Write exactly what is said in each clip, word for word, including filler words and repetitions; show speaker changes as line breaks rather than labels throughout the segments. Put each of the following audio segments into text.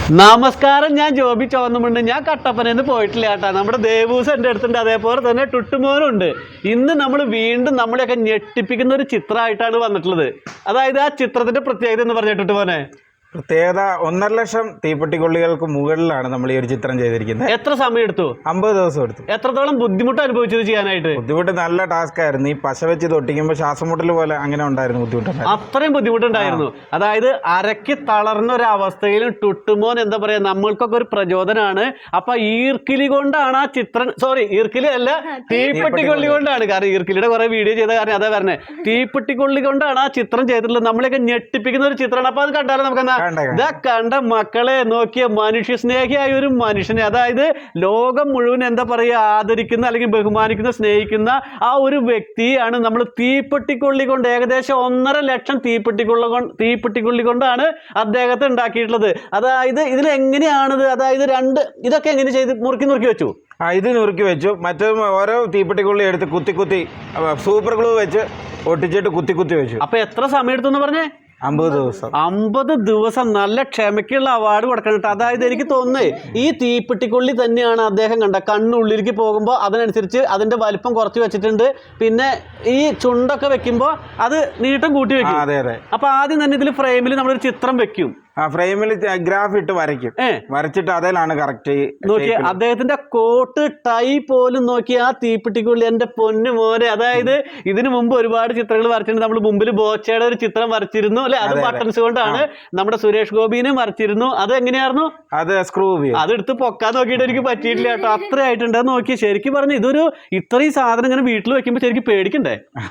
നമസ്കാരം, ഞാൻ ജോബി ചോന്നുമുണ്ട്. ഞാൻ കട്ടപ്പനന്ന് പോയിട്ടില്ല കേട്ടാ. നമ്മുടെ ദേവൂസ് എൻ്റെ അടുത്തുണ്ട്, അതേപോലെ തന്നെ ടുട്ടുമോനുണ്ട്. ഇന്ന് നമ്മൾ വീണ്ടും നമ്മളെയൊക്കെ ഞെട്ടിപ്പിക്കുന്ന ഒരു ചിത്രമായിട്ടാണ് വന്നിട്ടുള്ളത്. അതായത് ആ ചിത്രത്തിന്റെ പ്രത്യേകത എന്ന് പറഞ്ഞ ടുട്ടുമോനെ,
പ്രത്യേകത ഒന്നര ലക്ഷം തീപ്പെട്ടിക്കൊള്ളികൾക്ക് മുകളിലാണ് നമ്മൾ ഈ ഒരു ചിത്രം ചെയ്തിരിക്കുന്നത്.
എത്ര സമയം എടുത്തു?
അമ്പത് ദിവസം എടുത്തു.
എത്രത്തോളം ബുദ്ധിമുട്ട് അനുഭവിച്ചത് ചെയ്യാനായിട്ട്?
ബുദ്ധിമുട്ട് നല്ല ടാസ്ക് ആയിരുന്നു. ഈ പശ വെച്ച് തൊട്ടിക്കുമ്പോൾ ശ്വാസം മുട്ടൽ പോലെ അങ്ങനെ ഉണ്ടായിരുന്നു, ബുദ്ധിമുട്ട്.
അത്രയും ബുദ്ധിമുട്ടുണ്ടായിരുന്നു. അതായത് അരക്ക് തളർന്ന ഒരു അവസ്ഥയിലും ടുട്ടുമോൻ എന്താ പറയാ, നമ്മൾക്കൊക്കെ ഒരു പ്രചോദനമാണ്. അപ്പൊ ഈർക്കിലി കൊണ്ടാണ് ആ ചിത്രം, സോറി ഈർക്കിലി അല്ല, തീപ്പെട്ടിക്കൊള്ളി കൊണ്ടാണ്. കാരണം ഈർക്കിലിയുടെ കുറെ വീഡിയോ ചെയ്ത കാരണം അതാ പറഞ്ഞത്. തീപ്പെട്ടിക്കൊള്ളി കൊണ്ടാണ് ആ ചിത്രം ചെയ്തിട്ടുള്ളത്. നമ്മളെയൊക്കെ ഞെട്ടിപ്പിക്കുന്ന ഒരു ചിത്രമാണ്. അപ്പൊ അത് കണ്ടാലും നമുക്ക് ഇതാ കണ്ട മക്കളെ നോക്കിയ മനുഷ്യ സ്നേഹിയായ ഒരു മനുഷ്യനെ, അതായത് ലോകം മുഴുവൻ എന്താ പറയുക ആദരിക്കുന്ന അല്ലെങ്കിൽ ബഹുമാനിക്കുന്ന സ്നേഹിക്കുന്ന ആ ഒരു വ്യക്തിയാണ് നമ്മൾ തീപ്പെട്ടിക്കൊള്ളി കൊണ്ട്, ഏകദേശം ഒന്നര ലക്ഷം തീപ്പെട്ടിക്കൊള്ളി കൊണ്ട് തീപ്പെട്ടിക്കൊള്ളി കൊണ്ടാണ് അദ്ദേഹത്തെ ഉണ്ടാക്കിയിട്ടുള്ളത്. അതായത് ഇതിൽ എങ്ങനെയാണിത്, അതായത് രണ്ട് ഇതൊക്കെ എങ്ങനെ ചെയ്ത് മുറുക്കി മുറുക്കി വെച്ചു?
ആ ഇത് നുറുക്കി വെച്ചു. മറ്റേ ഓരോ തീപ്പെട്ടിക്കൊള്ളി എടുത്ത് കുത്തി കുത്തി സൂപ്പർ ഗ്ലൂ വെച്ച് ഒട്ടിച്ചിട്ട് കുത്തി കുത്തി വെച്ചു.
അപ്പൊ എത്ര സമയം എടുത്തു എന്ന് പറഞ്ഞേ?
അമ്പത് ദിവസം.
അമ്പത് ദിവസം നല്ല ക്ഷമയ്ക്കുള്ള അവാർഡ് കൊടുക്കണം. അതായത് എനിക്ക് തോന്നുന്നത് ഈ തീപ്പെട്ടിക്കൊള്ളി തന്നെയാണ് അദ്ദേഹം കണ്ട കണ്ണുള്ളിലേക്ക് പോകുമ്പോൾ അതിനനുസരിച്ച് അതിന്റെ വലിപ്പം കുറച്ച് വെച്ചിട്ടുണ്ട്. പിന്നെ ഈ ചുണ്ടൊക്കെ വെക്കുമ്പോൾ അത് നീട്ടം കൂട്ടി വെക്കും.
അതെ അതെ.
അപ്പൊ ആദ്യം തന്നെ ഇതിൽ ഫ്രെയിമിൽ നമ്മളൊരു ചിത്രം വെക്കും.
ആ ഫ്രെയിമിൽ ഗ്രാഫ് ഇട്ട് വരയ്ക്കും. വരച്ചിട്ട് അതിലാണ് കറക്റ്റ്
നോക്കി അദ്ദേഹത്തിന്റെ കോട്ട് ടൈ പോലും നോക്കി ആ തീപ്പെട്ടിക്കുള്ളി എന്റെ പൊന്നു മോനെ. അതായത് ഇതിനു മുമ്പ് ഒരുപാട് ചിത്രങ്ങൾ വരച്ചിട്ടുണ്ട്. നമ്മൾ മുമ്പിൽ ബോച്ചയുടെ ഒരു ചിത്രം വരച്ചിരുന്നു അല്ലെ, അത് ബട്ടൺസ് കൊണ്ടാണ്. നമ്മുടെ സുരേഷ് ഗോപിനെ വരച്ചിരുന്നു. അത് എങ്ങനെയായിരുന്നു?
അത് സ്ക്രൂ
അത് എടുത്ത് പൊക്കാൻ നോക്കിയിട്ട് എനിക്ക് പറ്റിയിട്ടില്ല കേട്ടോ. അത്ര ആയിട്ടുണ്ട്. നോക്കി ശരിക്കും പറഞ്ഞു ഇതൊരു ഇത്രയും സാധനം ഇങ്ങനെ വീട്ടിൽ വെക്കുമ്പോ ശരിക്കും പേടിക്കണ്ടേ?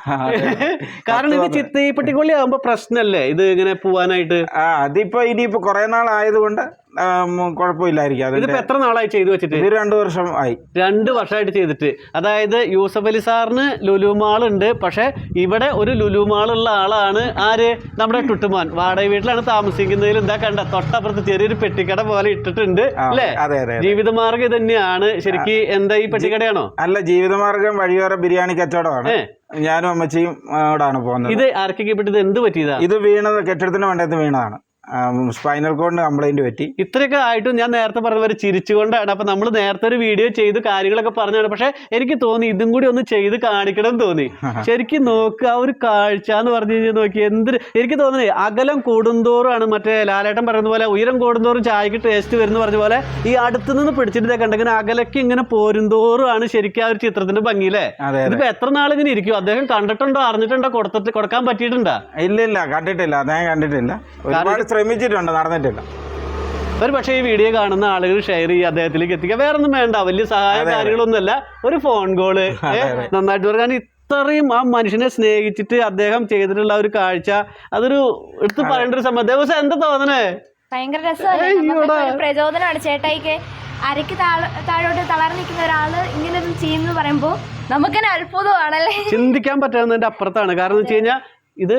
കാരണം ഇത് തീപ്പെട്ടിക്കൊള്ളി ആകുമ്പോ പ്രശ്നമല്ലേ ഇത് ഇങ്ങനെ പോവാനായിട്ട്?
അതിപ്പോ ഇനിയിപ്പോ കുറെ നാളായതുകൊണ്ട് കുഴപ്പമില്ലായിരിക്കും.
ഇതിപ്പോ എത്ര നാളായി ചെയ്തു വെച്ചിട്ട്?
ഇത് രണ്ടു വർഷം ആയി.
രണ്ട് വർഷമായിട്ട് ചെയ്തിട്ട്. അതായത് യൂസഫ് അലി സാറിന് ലുലുമാൾ ഉണ്ട്, പക്ഷെ ഇവിടെ ഒരു ലുലുമാൾ ഉള്ള ആളാണ് ആര്? നമ്മുടെ ടുട്ടുമോൻ. വാടക വീട്ടിലാണ് താമസിക്കുന്നതിൽ എന്താ കണ്ട തൊട്ടപ്പുറത്ത് ചെറിയൊരു പെട്ടിക്കട പോലെ ഇട്ടിട്ടുണ്ട് അല്ലേ? ജീവിതമാർഗം തന്നെയാണ് ശരിക്കും. എന്താ ഈ പെട്ടിക്കടയാണോ?
അല്ല, ജീവിതമാർഗം വഴിയോര ബിരിയാണി കച്ചവടമാണ്. ഞാനും അമ്മച്ചിയും അവിടാണ് പോകുന്നത്.
ഇത് ആർക്കൊക്കെ പെട്ടത്? എന്ത് പറ്റിയതാ?
ഇത് വീണത് കെട്ടിടത്തിന് വേണ്ടത് വീണതാണ്. സ്പൈനൽ കോഡിന് കംപ്ലൈന്റ് പറ്റി.
ഇത്രയൊക്കെ ആയിട്ടും ഞാൻ നേരത്തെ പറഞ്ഞ പോലെ ചിരിച്ചുകൊണ്ടാണ്. അപ്പൊ നമ്മൾ നേരത്തെ ഒരു വീഡിയോ ചെയ്ത് കാര്യങ്ങളൊക്കെ പറഞ്ഞാണ്. പക്ഷെ എനിക്ക് തോന്നി ഇതും കൂടി ഒന്ന് ചെയ്ത് കാണിക്കണം എന്ന് തോന്നി. ശരിക്കും നോക്കുക ആ ഒരു കാഴ്ച എന്ന് പറഞ്ഞു കഴിഞ്ഞാൽ നോക്കി എന്ത് എനിക്ക് തോന്നുന്നത്. അകലം കൂടുന്തോറുമാണ് മറ്റേ ലാലേട്ടൻ പറയുന്ന പോലെ ഉയരം കൂടുന്തോറും ചായക്ക് ടേസ്റ്റ് വരുന്ന പറഞ്ഞ പോലെ ഈ അടുത്ത് നിന്ന് പിടിച്ചിട്ട് കണ്ടെങ്കിൽ അകലക്ക് ഇങ്ങനെ പോരുന്തോറുമാണ് ശരിക്കും ആ ഒരു ചിത്രത്തിന്റെ ഭംഗിയില്ലേ? ഇതിപ്പോ എത്ര നാളിങ്ങനെ ഇരിക്കും? അദ്ദേഹം കണ്ടിട്ടുണ്ടോ, അറിഞ്ഞിട്ടുണ്ടോ, കൊടുത്തിട്ട് കൊടുക്കാൻ പറ്റിയിട്ടുണ്ടോ?
ഇല്ല ഇല്ല, കണ്ടിട്ടില്ല. അദ്ദേഹം കണ്ടിട്ടില്ല. ഒരുപാട് ശ്രമിച്ചിട്ടുണ്ട്, നടന്നിട്ടില്ല.
ഒരു പക്ഷേ ഈ വീഡിയോ കാണുന്ന ആളുകൾ ഷെയർ ചെയ്യുക, അദ്ദേഹത്തിലേക്ക് എത്തിക്കുക. വേറെ ഒന്നും വേണ്ട, വലിയ സഹായ കാര്യങ്ങളൊന്നുമല്ല. ഒരു ഫോൺ കോള് നന്നായിട്ട് പറയാൻ ഇത്രയും ആ മനുഷ്യനെ സ്നേഹിച്ചിട്ട് അദ്ദേഹം ചെയ്തിട്ടുള്ള ഒരു കാഴ്ച അതൊരു എടുത്ത് പറയേണ്ട ഒരു സംഭവം. ദിവസം എന്താ തോന്നണേ?
ഭയങ്കര രസമാണ്, പ്രചോദനമാണ്. ചേട്ടായിക്ക് അരക്ക് താഴോട്ട് തളർന്നു നിൽക്കുന്ന ഒരാള് ഇങ്ങനെ ചെയ്യുന്നു പറയുമ്പോ നമുക്ക് തന്നെ അത്ഭുതമാണല്ലേ.
ചിന്തിക്കാൻ പറ്റാവുന്നതിന്റെ അപ്പുറത്താണ്. കാരണം എന്ന് വെച്ച് കഴിഞ്ഞാൽ ഇത്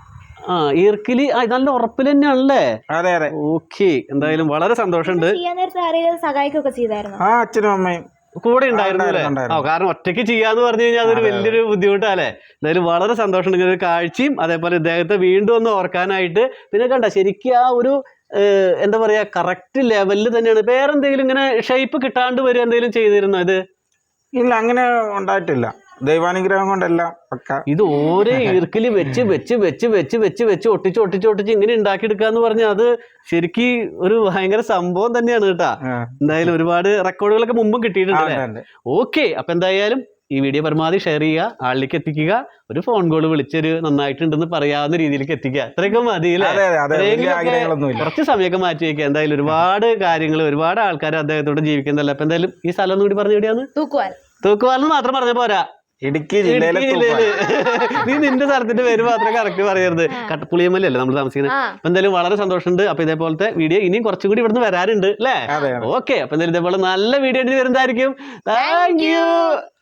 ആ ഈർക്കിലി നല്ല ഉറപ്പിൽ തന്നെയാണല്ലേ?
അതെ അതെ.
ഓക്കെ, എന്തായാലും വളരെ സന്തോഷമുണ്ട്.
സഹായിക്കൊക്കെ ചെയ്തായിരുന്നു.
ആ അച്ഛനും അമ്മയും
കൂടെ ഉണ്ടായിരുന്നു അല്ലേ? ആ കാരണം ഒറ്റയ്ക്ക് ചെയ്യാന്ന് പറഞ്ഞു കഴിഞ്ഞാൽ അതൊരു വലിയൊരു ബുദ്ധിമുട്ടല്ലേ? എന്തായാലും വളരെ സന്തോഷമുണ്ട് ഇങ്ങനെ ഒരു കാഴ്ചയും. അതേപോലെ ഇദ്ദേഹത്തെ വീണ്ടും ഒന്ന് ഓർക്കാനായിട്ട്. പിന്നെ കണ്ട ശരിക്കും ആ ഒരു എന്താ പറയാ കറക്റ്റ് ലെവലിൽ തന്നെയാണ്. വേറെന്തെങ്കിലും ഇങ്ങനെ ഷേപ്പ് കിട്ടാണ്ട് വരും എന്തെങ്കിലും ചെയ്തിരുന്നോ? ഇത്
ഇല്ല, അങ്ങനെ ഉണ്ടായിട്ടില്ല. ദൈവാനുഗ്രഹം കൊണ്ടെല്ലാം പക്ക.
ഇത് ഓരോ ഈർക്കില് വെച്ച് വെച്ച് വെച്ച് വെച്ച് വെച്ച് വെച്ച് ഒട്ടിച്ച് ഒട്ടിച്ച് ഒട്ടിച്ച് ഇങ്ങനെ ഉണ്ടാക്കിയെടുക്കാന്ന് പറഞ്ഞാൽ അത് ശരിക്കും ഒരു ഭയങ്കര സംഭവം തന്നെയാണ് കേട്ടാ. എന്തായാലും ഒരുപാട് റെക്കോർഡുകളൊക്കെ മുമ്പും കിട്ടിയിട്ടുണ്ട്. ഓക്കെ, അപ്പൊ എന്തായാലും ഈ വീഡിയോ പരമാവധി ഷെയർ ചെയ്യുക, ആളിലേക്ക് എത്തിക്കുക. ഒരു ഫോൺ കോൾ വിളിച്ചൊരു നന്നായിട്ടുണ്ടെന്ന് പറയാവുന്ന രീതിയിലേക്ക് എത്തിക്കുക. അത്രയൊക്കെ മതി അല്ലേ? കുറച്ച് സമയമൊക്കെ മാറ്റി വയ്ക്കുക. എന്തായാലും ഒരുപാട് കാര്യങ്ങൾ, ഒരുപാട് ആൾക്കാർ അദ്ദേഹത്തോട് ജീവിക്കുന്നതല്ല. അപ്പൊ എന്തായാലും ഈ സ്ഥലം ഒന്നും കൂടി പറഞ്ഞു എവിടെയാണ്?
തൂക്കുവാൽ.
തൂക്കുവാലെന്ന് മാത്രം പറഞ്ഞ പോരാ,
ഇടുക്കി ജില്ലയിലെ.
നീ നിന്റെ സ്ഥലത്തിന്റെ പേര് മാത്രമേ കറക്റ്റ് പറയരുത്. കട്ടപ്പുളിയമ്മലല്ലേ നമ്മൾ താമസിക്കുന്നത്. അപ്പൊ എന്തായാലും വളരെ സന്തോഷമുണ്ട്. അപ്പൊ ഇതേപോലത്തെ വീഡിയോ ഇനിയും കുറച്ചും കൂടി ഇവിടുന്ന് വരാറുണ്ട് അല്ലേ? ഓക്കെ, അപ്പൊ എന്തായാലും ഇതേപോലെ നല്ല വീഡിയോ വരുന്നതായിരിക്കും. Thank U.